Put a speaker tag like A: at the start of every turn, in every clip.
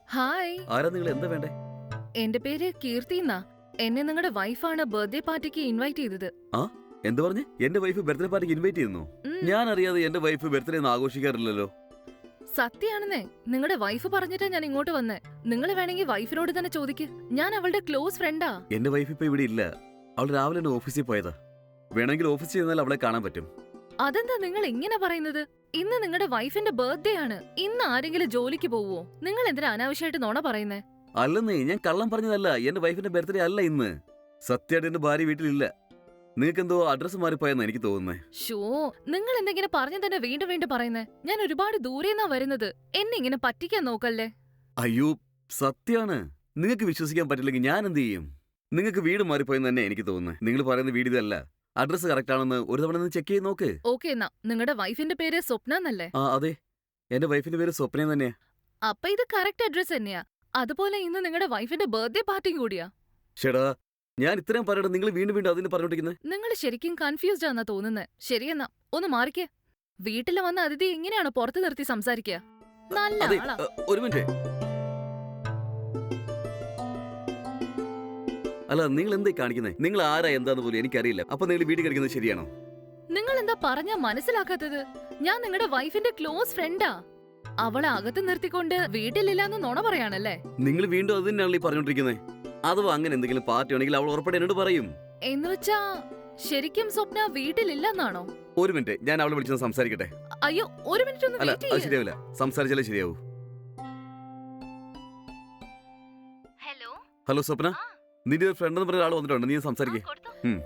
A: Hi,
B: ആരാ നിങ്ങൾ എന്താ വേണ്ടേ?
A: എന്റെ പേര് കീർത്തി എന്നാ. എന്നെ നിങ്ങളുടെ വൈഫാണ് ബർത്ത്ഡേ പാർട്ടിക്ക് ഇൻവൈറ്റ് ചെയ്തത്.
B: ആ എന്താ പറഞ്ഞേ? എന്റെ വൈഫ് ബർത്ത്ഡേ പാർട്ടിക്ക് ഇൻവൈറ്റ് ചെയ്യുന്നു?
A: ഉം,
B: ഞാൻ അറിയാതെ എന്റെ വൈഫ് ബർത്ത്ഡേ ഒന്നും ആഘോഷിക്കാറില്ലല്ലോ.
A: സത്യാണെന്നേ. നിങ്ങളുടെ വൈഫ് പറഞ്ഞിട്ടാ ഞാൻ ഇങ്ങോട്ട് വന്നേ. നിങ്ങൾ വേണമെങ്കിൽ വൈഫിനോട് തന്നെ ചോദിക്ക്. ഞാൻ അവളുടെ ക്ലോസ് ഫ്രണ്ടാ.
B: എന്റെ വൈഫ് ഇപ്പൊ ഇവിടെ ഇല്ല. അവൾ രാവിലെ തന്നെ ഓഫീസിൽ പോയതാ. വേണമെങ്കിൽ ഓഫീസിൽ ചെന്നാൽ അവളെ കാണാൻ പറ്റും.
A: അതെന്താ നിങ്ങൾ ഇങ്ങനെ പറയുന്നത്? ഇന്ന് നിങ്ങളുടെ വൈഫിന്റെ ബർത്ത്ഡേ ആണ്. ഇന്ന് ആരെങ്കിലും ജോലിക്ക് പോവോ? നിങ്ങൾ എന്തിനാ അനാവശ്യമായിട്ട് നോണ പറയുന്നേ?
B: അല്ലെന്നേ, ഞാൻ കള്ളം പറഞ്ഞതല്ല. എന്റെ വൈഫിന്റെ ബർത്ത്ഡേ അല്ല ഇന്ന്. സത്യമായിട്ട് എന്റെ ഭാര്യ വീട്ടിലില്ല. നിങ്ങൾക്ക് എന്തോ അഡ്രസ് മാറിപ്പോയെന്നാ എനിക്ക് തോന്നുന്നേ.
A: ഷോ, നിങ്ങൾ എന്തെങ്കിലും പറഞ്ഞു തന്നെ വീണ്ടും വീണ്ടും പറയുന്നേ. ഞാൻ ഒരുപാട് ദൂരെന്നാ വരുന്നത്. എന്നെ ഇങ്ങനെ പറ്റിക്കാൻ നോക്കല്ലേ.
B: അയ്യോ, സത്യാണ്. നിങ്ങൾക്ക് വിശ്വസിക്കാൻ പറ്റില്ലെങ്കിൽ ഞാൻ എന്ത് ചെയ്യും? നിങ്ങൾക്ക് വീട് മാറിപ്പോയെന്ന് തന്നെ എനിക്ക് തോന്നുന്നത്. നിങ്ങൾ പറയുന്ന വീട് ഇതല്ല. അഡ്രസ് കറക്റ്റ് ആണെന്ന് ഒരു തവണ ഒന്ന് ചെക്ക് ചെയ്ത് നോക്ക്.
A: ഓക്കെ എന്നാ. നിങ്ങളുടെ വൈഫിന്റെ പേര് സ്വപ്ന എന്നല്ലേ?
B: ആ അതെ, എന്റെ വൈഫിന്റെ പേര് സ്വപ്ന തന്നെയാ.
A: അപ്പൊ ഇത് കറക്റ്റ് അഡ്രസ് തന്നെയാ. അതുപോലെ ഇന്ന് നിങ്ങളുടെ വൈഫിന്റെ ബർത്ത്ഡേ പാർട്ടിയും കൂടിയാ.
B: ഷെടാ, ഞാൻ ഇത്രയും പറയട്ടെ, നിങ്ങൾ വീണ്ടും വീണ്ടും അതിന് പറഞ്ഞോണ്ടിരിക്കുന്നത്.
A: നിങ്ങൾ ശരിക്കും കൺഫ്യൂസ്ഡ് ആണെന്നാ തോന്നുന്നേ. ശരിയെന്നാ, ഒന്ന് മാറിക്കേ. വീട്ടിൽ വന്ന അതിഥി എങ്ങനെയാണ് പുറത്തു നിർത്തി സംസാരിക്കുക? നല്ല
B: അതെ,
A: ആളാ.
B: ഒരു മിനിറ്റ്. അല്ല, നിങ്ങൾ എന്തായി കാണിക്കുന്നത്? നിങ്ങൾ ആരാ എന്താന്ന് പോലും എനിക്കറിയില്ല. അപ്പൊ നിങ്ങൾ വീട്ടിൽ കളിക്കുന്നത് ശരിയാണോ?
A: നിങ്ങൾ എന്താ പറഞ്ഞാ മനസ്സിലാക്കാത്തത്? ഞാൻ നിങ്ങളുടെ വൈഫിന്റെ ക്ലോസ് ഫ്രണ്ടാ. അവളെ അകത്ത് നിർത്തിക്കൊണ്ട് വീട്ടിലില്ലാന്ന് നുണ പറയാണല്ലേ?
B: നിങ്ങൾ വീണ്ടും അത് തന്നെയാണല്ലോ ഈ പറഞ്ഞോണ്ടിരിക്കുന്നത്. അഥവാ അങ്ങനെ എന്തെങ്കിലും പാർട്ടി ആണെങ്കിൽ അവൾ ഉറപ്പായിട്ട് എന്നോട് പറയും.
A: എന്നുവെച്ചാ ശരിക്കും സ്വപ്ന വീട്ടിലില്ലെന്നാണോ?
B: ഒരു മിനിറ്റ്, ഞാൻ അവളെ വിളിച്ചൊന്ന് സംസാരിക്കട്ടെ.
A: അയ്യോ, ഒരു മിനിറ്റ് ഒന്ന്
B: അല്ല,
A: വെയിറ്റ്
B: അത്
A: ചെയ്യ്.
B: ശരിയാവില്ല. സംസാരിച്ചാലേ ശരിയാവൂ.
A: ഹലോ.
B: ഹലോ സ്വപ്ന,
A: ആ,
B: നിന്റെ ഒരു ഫ്രണ്ട് എന്ന് പറഞ്ഞ ഒരാൾ വന്നിട്ടുണ്ട്. നീ സംസാരിക്കേ.
A: കൊടുത്തോ.
B: ഉം.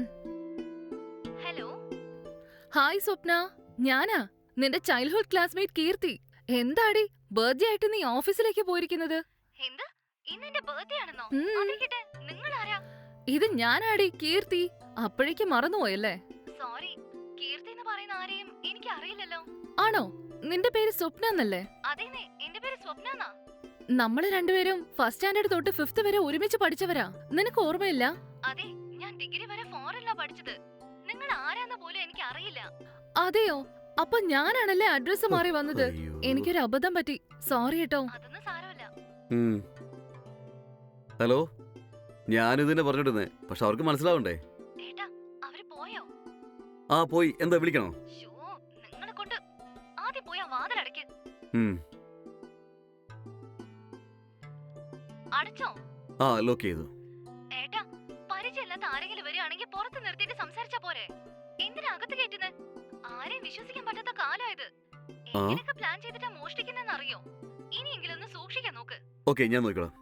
A: ഹലോ. ഹായ് സ്വപ്ന, ഞാനാ നിന്റെ ചൈൽഡ്ഹുഡ് ക്ലാസ്മേറ്റ് കീർത്തി. എന്താടി ബർത്ത്ഡേ ആയിട്ട് നീ ഓഫീസിലേക്ക് പോയിരിക്കുന്നത്?
C: എന്ത്? ഇന്ന് എന്റെ ബർത്ത്ഡേ ആണെന്നോ?
A: ഉം.
C: അതിരിക്കട്ടെ, നിങ്ങൾ ആരാ?
A: ഇത് ഞാനാടി കീർത്തി. അപ്പോഴേക്ക് മറന്നുപോയല്ലേ?
C: സോറി, കീർത്തി എന്ന് പറയുന്ന ആരെയും എനിക്ക് അറിയില്ലല്ലോ.
A: ആണോ? നിന്റെ പേര് സ്വപ്ന എന്നല്ലേ?
C: അതേനെ, എന്റെ പേര് സ്വപ്ന.
A: നമ്മള് രണ്ടുപേരും ഫസ്റ്റ് സ്റ്റാൻഡേർഡ് തൊട്ട് 5th വരെ ഒരുമിച്ച് പഠിച്ചവരാ. നിനക്ക് ഓർമ്മയില്ല?
C: അതെ, ഞാൻ ഡിഗ്രി വരെ ഫോറിനിലാ പഠിച്ചത്. നിങ്ങൾ ആരാന്ന് പോലും എനിക്ക് അറിയില്ല.
A: അതെയോ? അപ്പൊ ഞാനാണല്ലേ അഡ്രസ് മാറി വന്നത്.
B: അയ്യോ.
A: എനിക്കൊരു അബദ്ധം പറ്റി. സോറി കേട്ടോ.
C: അതൊന്നും സാരമില്ല.
B: ഉം. ഹലോ, ഞാനിത് തന്നെ പറഞ്ഞിട്ടുന്നേ. പക്ഷെ അവർക്ക് മനസ്സിലാവണ്ടേ?
C: ഏട്ടാ, അവര് പോയോ?
B: ആ പോയി. എന്താ വിളിക്കണോ?
C: ഷോ, നിങ്ങളെ കൊണ്ട് ആദ്യം പോയി ആ വാതിലടയ്ക്ക്.
B: ഉം.
C: അടച്ചോ?
B: ആ ലോക്ക് ചെയ്തു.
C: ഏട്ടാ, പരിചയമില്ലാത്ത ആരെങ്കിലും വരികയാണെങ്കിൽ പുറത്ത് നിർത്തിയിട്ട് സംസാരിച്ചാ പോരെ? എന്തിനാ അകത്ത് കയറ്റുന്നത്? ആരെയും വിശ്വസിക്കാൻ പറ്റാത്ത കാലമായത്. എങ്ങനെയൊക്കെ പ്ലാൻ ചെയ്തിട്ടാ മോഷ്ടിക്കുന്നെന്ന് അറിയോ? ഇനിയെങ്കിലും ഒന്ന് സൂക്ഷിക്കാൻ നോക്ക്.
B: ഓക്കെ, ഞാൻ നോക്കിക്കോളാം.